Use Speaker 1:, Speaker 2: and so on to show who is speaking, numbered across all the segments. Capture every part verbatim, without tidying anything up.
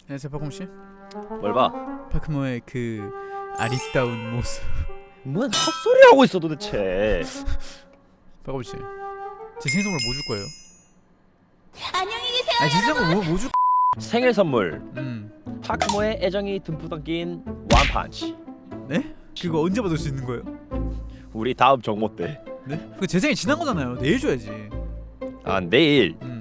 Speaker 1: 안녕하세요 박홍 씨.
Speaker 2: 뭘 봐?
Speaker 1: 파크모의 그 아리따운 모습.
Speaker 2: 뭔 헛소리 하고 있어 도대체.
Speaker 1: 박홍 씨, 제 생일 선물 뭐 줄 거예요?
Speaker 3: 안녕히 계세요.
Speaker 1: 아니 제 생일 선물 뭐, 뭐 줄?
Speaker 2: 생일 선물.
Speaker 1: 음,
Speaker 2: 파크모의 애정이 듬뿍 담긴 원펀치.
Speaker 1: 네? 그거 언제 받을 수 있는 거예요?
Speaker 2: 우리 다음 정모 때.
Speaker 1: 네? 그 제 생일 지난 거잖아요. 내일 줘야지.
Speaker 2: 아 내일
Speaker 1: 음,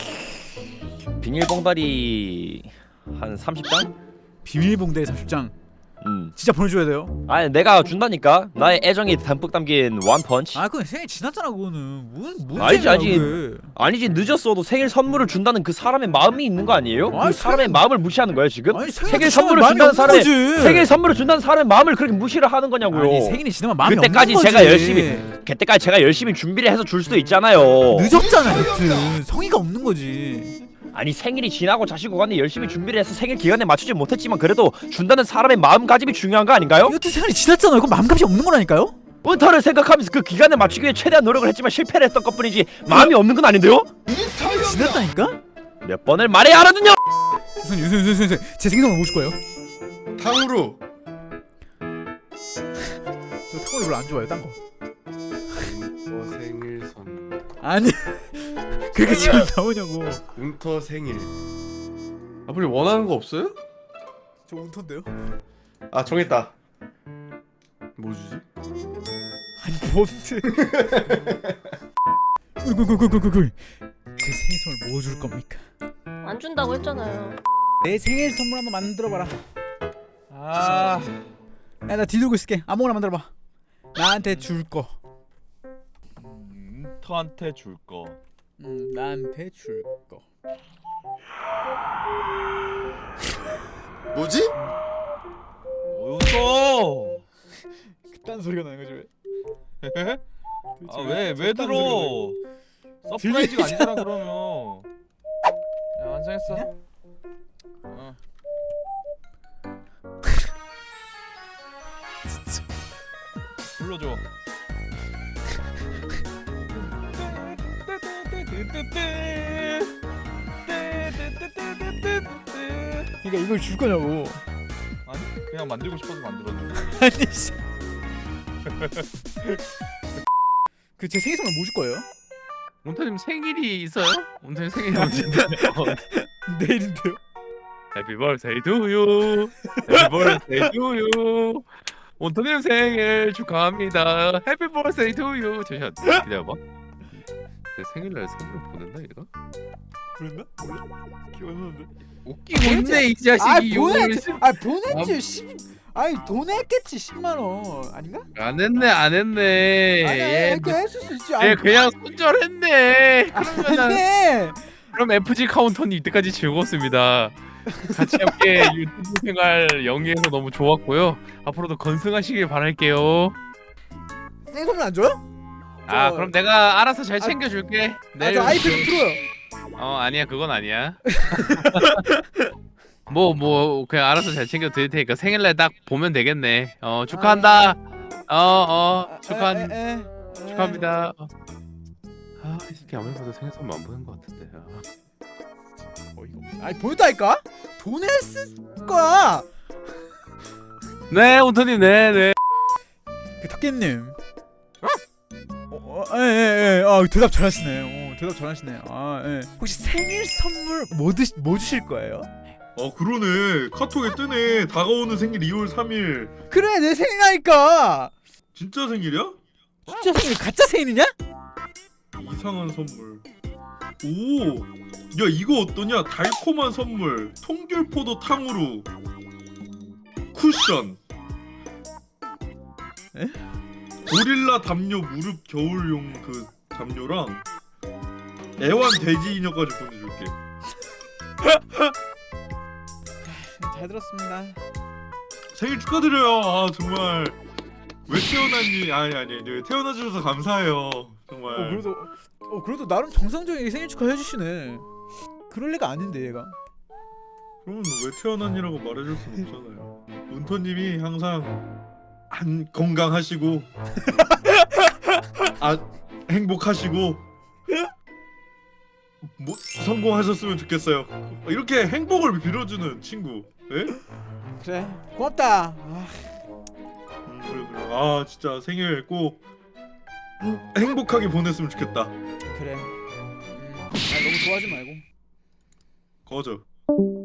Speaker 2: 비닐봉다리 한 삼십 장?
Speaker 1: 비밀봉다리 삼십 장.
Speaker 2: 음.
Speaker 1: 진짜 보내줘야 돼요.
Speaker 2: 아니 내가 준다니까. 나의 애정이 듬뿍 담긴 원펀치.
Speaker 1: 아 그건 생일 지났잖아 그거는. 뭔 뭔
Speaker 2: 알지,
Speaker 1: 생일이야,
Speaker 2: 알지.
Speaker 1: 그게.
Speaker 2: 아니지 늦었어도 생일 선물을 준다는 그 사람의 마음이 있는 거 아니에요?
Speaker 1: 아니,
Speaker 2: 그 사람의
Speaker 1: 생일-
Speaker 2: 마음을 무시하는 거야 지금?
Speaker 1: 아니
Speaker 2: 생일
Speaker 1: 지나면
Speaker 2: 선물을
Speaker 1: 마음이
Speaker 2: 준다는
Speaker 1: 없는
Speaker 2: 사람의
Speaker 1: 거지.
Speaker 2: 생일 선물을 준다는 사람의 마음을 그렇게 무시를 하는 거냐고요.
Speaker 1: 아니 생일이 지나면 마음이
Speaker 2: 그때까지
Speaker 1: 없는
Speaker 2: 제가
Speaker 1: 거지.
Speaker 2: 열심히 그때까지 제가 열심히 준비를 해서 줄 수도 있잖아요.
Speaker 1: 늦었잖아 여튼. 성의가 없는 거지.
Speaker 2: 아니 생일이 지나고 자식 오간에 열심히 준비를 해서 생일 기간에 맞추지 못했지만 그래도 준다는 사람의 마음가짐이 중요한 거 아닌가요?
Speaker 1: 여튼 생일이 지났잖아요. 그건 마음값이 없는 거라니까요?
Speaker 2: 은퇴를 생각하면서 그 기간에 맞추기 위해 최대한 노력을 했지만 실패를 했던 것뿐이지 마음이 없는 건 아닌데요?
Speaker 1: 지났다니까?
Speaker 2: 몇 번을 말해야 알아듣냐?
Speaker 1: 우선 우선 우선 우선 제 생일 선물 뭐 줄 거예요?
Speaker 4: 탕후루.
Speaker 1: 저 탕후루 별로 안 좋아해요. 딴 거.
Speaker 4: 뭐 생일 선물.
Speaker 1: 아니 그렇게 지금 나오냐고.
Speaker 4: 운터 생일. 아버지 원하는 거 없어요?
Speaker 1: 저 운터인데요?
Speaker 4: 아 정했다. 뭐 주지?
Speaker 1: 아니 뭔데? 꿀꿀꿀꿀꿀꿀. 제 생일 선물 뭐 줄 겁니까?
Speaker 3: 안 준다고 했잖아요.
Speaker 1: 내 생일 선물 한번 만들어봐라. 아, 야 나 뒤들고 있을게. 아무거나 만들어봐. 나한테 줄 거.
Speaker 5: 음, 터한테 줄 거.
Speaker 1: 음, 나한테 줄 거.
Speaker 4: 뭐지?
Speaker 5: 웃어.
Speaker 1: 그딴 소리가 나는 거지 왜?
Speaker 5: 아 왜 왜 들어? 서프라이즈가 아니잖아 그러면. 야 완성했어. 어. 불러줘.
Speaker 1: 그러니까 이걸 줄 거냐고.
Speaker 5: 아니 그냥 만들고 싶어서 만들었는데.
Speaker 1: 아니 씨. 그 제 생일 선물 뭐 줄 거예요?
Speaker 6: 온타님 생일이 있어요? 온타님 생일이 언제인데?
Speaker 1: 내일인데요.
Speaker 6: Happy birthday to you. Happy birthday to you. 온타님 생일 축하합니다. Happy birthday to you. 잠시만 기다려봐. 내 생일날 선물 보낸다 얘가?
Speaker 1: 그랬나? 몰라? 기억 안 나는데.
Speaker 6: 웃기고 있네 이 자식이. 욕을 씨-
Speaker 1: 아 보냈지. 십. 아니 돈 했겠지 십만 원 아닌가?
Speaker 6: 안 했네 안 했네.
Speaker 1: 아니
Speaker 6: 얘,
Speaker 1: 아니 그 했을 수 있지.
Speaker 6: 얘 그냥 손절했네. 그러면은
Speaker 1: 아니.
Speaker 6: 그럼 에프지 카운터님 이때까지 즐거웠습니다. 같이 함께 유튜브 생활 영위해서 너무 좋았고요. 앞으로도 건승하시길 바랄게요.
Speaker 1: 생일 선물 안 줘요?
Speaker 6: 아
Speaker 1: 저-
Speaker 6: 그럼 내가 알아서 잘
Speaker 1: 아,
Speaker 6: 챙겨줄게.
Speaker 1: 아 저 아이패드 프로요.
Speaker 6: 어 아니야 그건 아니야. 뭐 뭐 그냥 알아서 잘 챙겨 드릴 테니까 생일날 딱 보면 되겠네. 어 축하한다. 어어 축하
Speaker 1: 에, 에, 에.
Speaker 6: 축하합니다. 어. 아이 새끼 아무리 봐도 생일 선물 안 보낸 것 같은데. 아.
Speaker 1: 어이가 없네. 아니 보냈다니까? 돈 했을 거야.
Speaker 6: 네 온터님 네네.
Speaker 1: 그 탁기님. 어, 어, 예, 예, 예. 아, 대답 잘하시네. 어, 대답 잘하시네. 아, 예. 혹시 생일 선물 뭐 드시, 뭐 주실 거예요?
Speaker 7: 어 그러네 카톡에 뜨네 다가오는 생일 이월 삼일
Speaker 1: 그래, 내 생일이니까.
Speaker 7: 진짜 생일이야?
Speaker 1: 진짜 생일 가짜 생일이냐?
Speaker 7: 이상한 선물 오! 야 이거 어떠냐 달콤한 선물 통귤포도 탕후루 쿠션
Speaker 1: 에?
Speaker 7: 고릴라 담요 무릎 겨울용 그 담요랑 애완 돼지 인형까지 보내줄게
Speaker 1: 잘 들었습니다.
Speaker 7: 생일 축하드려요 아 정말 왜 태어났니 아니 아니 아니 태어나 주셔서 감사해요 정말
Speaker 1: 어, 그래도 어, 그래도 나름 정상적인 생일 축하 해주시네. 그럴 리가 아닌데 얘가.
Speaker 7: 그러면 왜 태어났니라고 말해줄 순 없잖아요. 운터님이 항상 안 건강하시고 아 행복하시고 뭐, 성공하셨으면 좋겠어요. 이렇게 행복을 빌어주는 친구. 예?
Speaker 1: 그래 고맙다. 아,
Speaker 7: 음, 그래 그래. 아 진짜 생일 꼭 행복하게 보냈으면 좋겠다.
Speaker 1: 그래. 음, 아, 너무 좋아하지 말고.
Speaker 7: 꺼져.